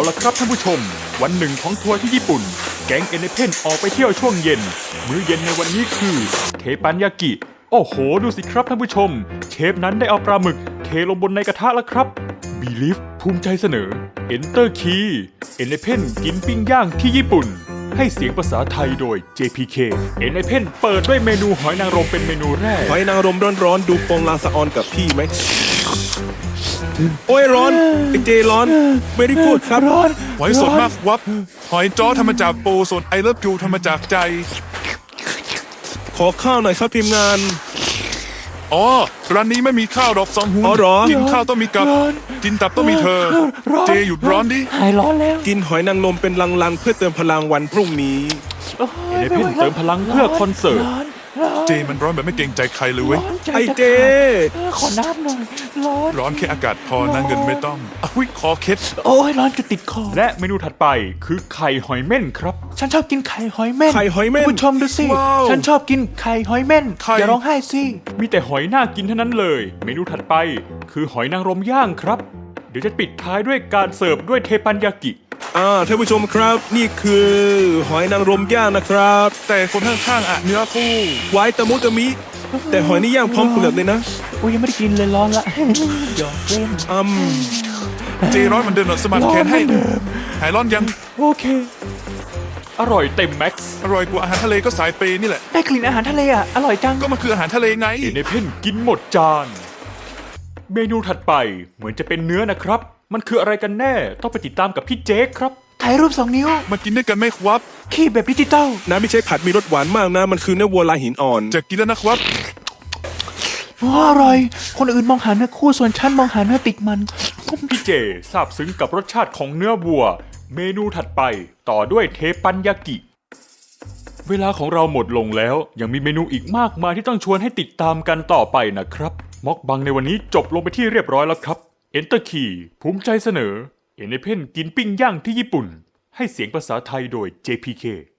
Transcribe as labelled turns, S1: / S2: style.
S1: ละครับท่านผู้ชมวันหนึ่งของทัวร์ที่ญี่ปุ่นแก๊งเอเนเพนออกไปเที่ยวช่วงเย็นมื้อเย็นในวันนี้คือเทปันยากิโอ้โหดูสิครับท่านผู้ชมเชฟนั้นได้เอาปลาหมึกเทลงบนในกระทะแล้วครับบีลิฟภูมิใจเสนอ Enter Key เอเนเพนกินปิ้งย่างที่ญี่ปุ่นให้เสียงภาษาไทยโดย JPK เอเนเพนเปิดด้วยเมนูหอยนางรมเป็นเมนูแรก
S2: หอยนางรมร้อนๆดูปองลางสะออนกับพี่ไหมโอ้ยร้อนไอเจร้อนไม่ได้พูดครับร้อน
S3: หอยสดมากวับหอยจ้อทำมาจากปูส่วนไอเลิฟยูทำมาจากใจ
S2: ขอข้าวหน่อยครับทีมงาน
S3: อ๋อร้านนี้ไม่มีข้าวดอกสองหู
S2: อ๋อเหรอ
S3: กินข้าวต้องมีกับกินตับต้องมีเธอ เจหยุดร้อนดิ
S4: หายร้อนแล้ว
S2: กินหอยนางรมเป็นลังๆเพื่อเติมพลังวันพรุ่งนี้
S1: เอเนเพนเติมพลังเพื่อคอนเสิร์ต
S3: เจมันร้อนแบบไม่เกรงใจใครเลยเว้ย
S2: ไอเจ
S4: ขอน้ำหน่อยร้อน
S3: ร้อนแค่อากาศพอนะเงินไม่ต้องอุ้ยคอเคล็ด
S4: โอ้ยร้อนจะติดคอ
S1: และเมนูถัดไปคือไข่หอยเม่นครับ
S4: ฉันชอบกินไข่หอยเม่น
S2: ไข่หอยเม่น
S4: คุณผู้ชมดูสิ
S2: ว้าว
S4: ฉันชอบกินไข่หอยเม่น
S3: ไข่
S4: อย่าร้องไห้สิ
S1: มีแต่หอยน่ากินเท่านั้นเลย เมนูถัดไปคือหอยนางรมย่างครับ เดี๋ยวจะปิดท้ายด้วยการเสิร์ฟด้วยเทปันยากิ
S2: ท่านผู้ชมครับนี่คือหอยนางรมย่างนะครับ
S3: แต่คนข้างๆอ่ะเนื้อคู่
S2: ไว้ตะมุตะมิ แต่หอยนี่ย่างพร้อมเปลือกเลยนะ
S4: อุ้ยยังไม่ได้กินเลยร้อนละ หยอกเล่น
S3: เจร้อนเหมันเดิมหรอสมัครแขนให้หายร้อนยัง
S4: โอเค
S1: อร่อยเต็มแม็กซ์
S3: อร่อยกว่าอาหารทะเลก็สายเปย์นี่แหละ
S4: ได้กลิ่นอาหารทะเลอ่ะอร่อยจัง
S3: ก็มันคืออาหารทะเลไง
S1: เอเนเพนกินหมดจาน เมนูถัดไปเหมือนจะเป็นเนื้อนะครับ มันคืออะไรกันแน่ต้องไปติดตามกับพี่เจคครับ
S4: ถ่ายรูป2 นิ้ว
S3: มากินด้วยกันไหมครับ
S4: ขี้แบบดิจิตอล
S2: น้ำไม่ใช่ผัดมีรสหวานมากนะ มันคือเนื้อวัวลายหินอ่อน
S3: จะกินแล้วนะครับ
S4: อร่อย คนอื่นมองหาเนื้อคู่ส่วนฉันมองหาเนื้อติดมัน
S1: พี่เจซาบซึ้งกับรสชาติของเนื้อวัว เมนูถัดไปต่อด้วยเทปันยากิ เวลาของเราหมดลงแล้วยังมีเมนูอีกมากมายที่ต้องชวนให้ติดตามกันต่อไปนะครับม็อกบังในวันนี้จบลงไปที่เรียบร้อยแล้วครับ Enter Key ภูมิใจเสนอเอเนเพนกินปิ้งย่างที่ญี่ปุ่น ให้เสียงภาษาไทยโดย JPK